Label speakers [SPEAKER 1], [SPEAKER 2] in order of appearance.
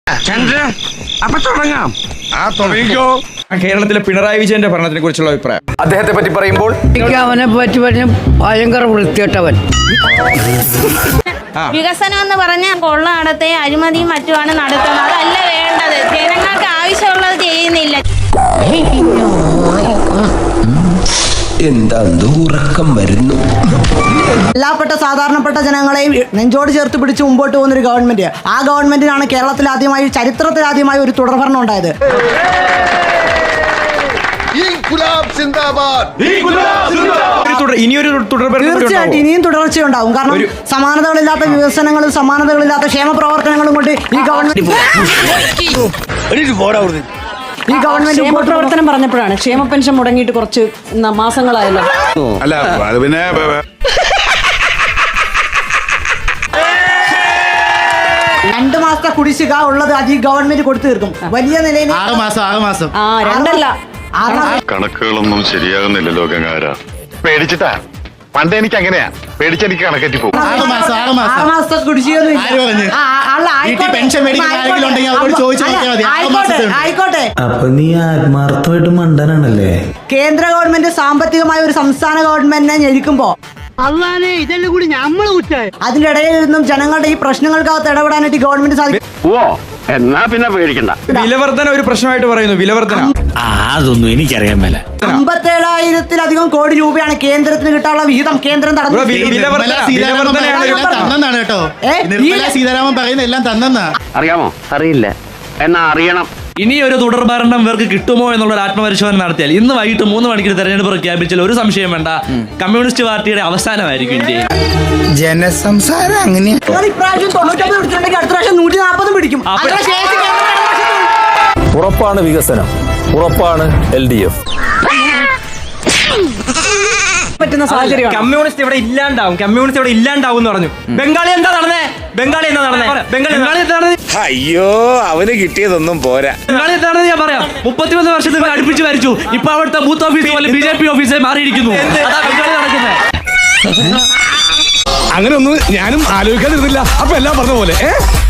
[SPEAKER 1] അപ്പൊ തുടങ്ങാം. തുടങ്ങിക്കോ.
[SPEAKER 2] കേരളത്തിലെ പിണറായി വിജയന്റെ ഭരണത്തിനെ കുറിച്ചുള്ള അഭിപ്രായം
[SPEAKER 3] അദ്ദേഹത്തെ പറ്റി പറയുമ്പോൾ
[SPEAKER 4] അവനെ പറ്റി പറഞ്ഞ ഭയങ്കര വൃത്തികെട്ടവൻ.
[SPEAKER 5] വികസനം എന്ന് പറഞ്ഞാൽ കൊള്ളനടത്തെ അഴിമതിയും മറ്റുമാണ് നടത്തുന്നത്. അതല്ല വേണ്ടത്. ജനങ്ങൾക്ക് ആവശ്യമുള്ളത് ചെയ്യുന്നില്ല.
[SPEAKER 6] എന്താ ഉറക്കം വരുന്നു.
[SPEAKER 7] എല്ലാപ്പെട്ട സാധാരണപ്പെട്ട ജനങ്ങളെയും നെഞ്ചോട് ചേർത്ത് പിടിച്ച് മുമ്പോട്ട് പോകുന്നൊരു ഗവൺമെന്റ്. ആ ഗവൺമെന്റിനാണ് കേരളത്തിൽ ആദ്യമായി, ചരിത്രത്തിൽ ആദ്യമായി ഒരു തുടർഭരണം ഉണ്ടായത്. തീർച്ചയായിട്ടും ഇനിയും തുടർച്ചയുണ്ടാവും. കാരണം സമാനതകളില്ലാത്ത വികസനങ്ങളും സമാനതകളില്ലാത്ത ക്ഷേമ പ്രവർത്തനങ്ങളും കൊണ്ട് ഈ ഗവൺമെന്റ്
[SPEAKER 8] പ്രവർത്തനം പറഞ്ഞപ്പോഴാണ് ക്ഷേമ പെൻഷൻ മുടങ്ങിയിട്ട് കുറച്ച് മാസങ്ങളായല്ലോ.
[SPEAKER 1] അല്ല അത് പിന്നെ
[SPEAKER 7] 2 മാസത്തെ കുടിശ്ശിക ഉള്ളത് അത് ഈ ഗവൺമെന്റ് കൊടുത്തു തീർക്കും. വലിയ നിലയിൽ
[SPEAKER 9] 6 മാസം
[SPEAKER 8] 2
[SPEAKER 10] കണക്കുകളൊന്നും ശരിയാകുന്നില്ലല്ലോ ഗംഗാര. പേടിച്ചിട്ടാ. പണ്ട് എനിക്ക് അങ്ങനെയാ, പേടിച്ചെനിക്ക് കണക്കെറ്റി പോകും.
[SPEAKER 7] 6 മാസത്തെ കുടിശ്ശിക ആയിക്കോട്ടെ.
[SPEAKER 6] അപ്പൊ നീ ആത്മാർത്ഥമായിട്ട് മണ്ടനാണല്ലേ.
[SPEAKER 7] കേന്ദ്ര ഗവൺമെന്റ് സാമ്പത്തികമായ ഒരു സംസ്ഥാന ഗവൺമെന്റിനെ ഞെരുക്കുമ്പോ ഇതെല്ലാം കൂടി അതിന്റെ ഇടയിൽ നിന്നും ജനങ്ങളുടെ ഈ പ്രശ്നങ്ങൾക്കകത്ത് ഇടപെടാനായിട്ട് ഗവൺമെന്റ് സാധിക്കും.
[SPEAKER 1] എന്നാ പിന്നെ പേടിക്കണ്ട.
[SPEAKER 2] വിലവർധന ഒരു പ്രശ്നമായിട്ട് പറയുന്നു. വിലവർധന
[SPEAKER 6] അതൊന്നും എനിക്കറിയാൻ മേല.
[SPEAKER 7] 57,000-ത്തിലധികം കോടി രൂപയാണ് കേന്ദ്രത്തിന് കിട്ടാനുള്ള വിഹിതം. കേന്ദ്രം
[SPEAKER 9] സീതാരാമൻ പറയുന്ന എല്ലാം തന്നെന്നാ.
[SPEAKER 1] അറിയാമോ? അറിയില്ല. എന്നാ അറിയണം.
[SPEAKER 11] ഇനി ഒരു തുടർഭരണം ഇവർക്ക് കിട്ടുമോ എന്നുള്ള ഒരു ആത്മപരിശോധന നടത്തിയാൽ ഇന്ന് വൈകിട്ട് 3 മണിക്ക് തെരഞ്ഞെടുപ്പ് പ്രഖ്യാപിച്ചാൽ ഒരു സംശയം വേണ്ട, കമ്മ്യൂണിസ്റ്റ് പാർട്ടിയുടെ അവസാനമായിരിക്കും ഇന്ത്യയിൽ.
[SPEAKER 6] ജനസംസാരം അങ്ങനെയാ.
[SPEAKER 7] ഇപ്രാവശ്യം 99 പിടിച്ചിട്ടുണ്ടെങ്കിൽ അടുത്ത പ്രാവശ്യം 140 പിടിക്കും.
[SPEAKER 3] ഉറപ്പാണ് വികസനം, ഉറപ്പാണ് LDF.
[SPEAKER 8] പറ്റുന്ന സാഹചര്യം.
[SPEAKER 2] കമ്മ്യൂണിസ്റ്റ് ഇവിടെ ഇല്ലാണ്ടാവും. കമ്മ്യൂണിസ്റ്റ് ഇവിടെ ഇല്ലാണ്ടാവും എന്ന് പറഞ്ഞു. ബംഗാളി എന്താ നടന്നേ? ബംഗാളി എന്താ നടന്നേ?
[SPEAKER 6] അയ്യോ, അവന് കിട്ടിയതൊന്നും പോരാ.
[SPEAKER 11] ബംഗാളി എന്താണെന്ന് ഞാൻ പറയാം. 31 വർഷത്തിൽ അടുപ്പിച്ച് ഭരിച്ചു. ഇപ്പൊ അവിടുത്തെ ബൂത്ത് ഓഫീസ് പോലെ BJP ഓഫീസായി മാറിയിരിക്കുന്നു. അതാ ബംഗാളി നടക്കുന്നത്.
[SPEAKER 1] അങ്ങനെ ഒന്നും ഞാനും ആലോചിക്കാതിരുന്നില്ല. അപ്പൊ എല്ലാം പറഞ്ഞ പോലെ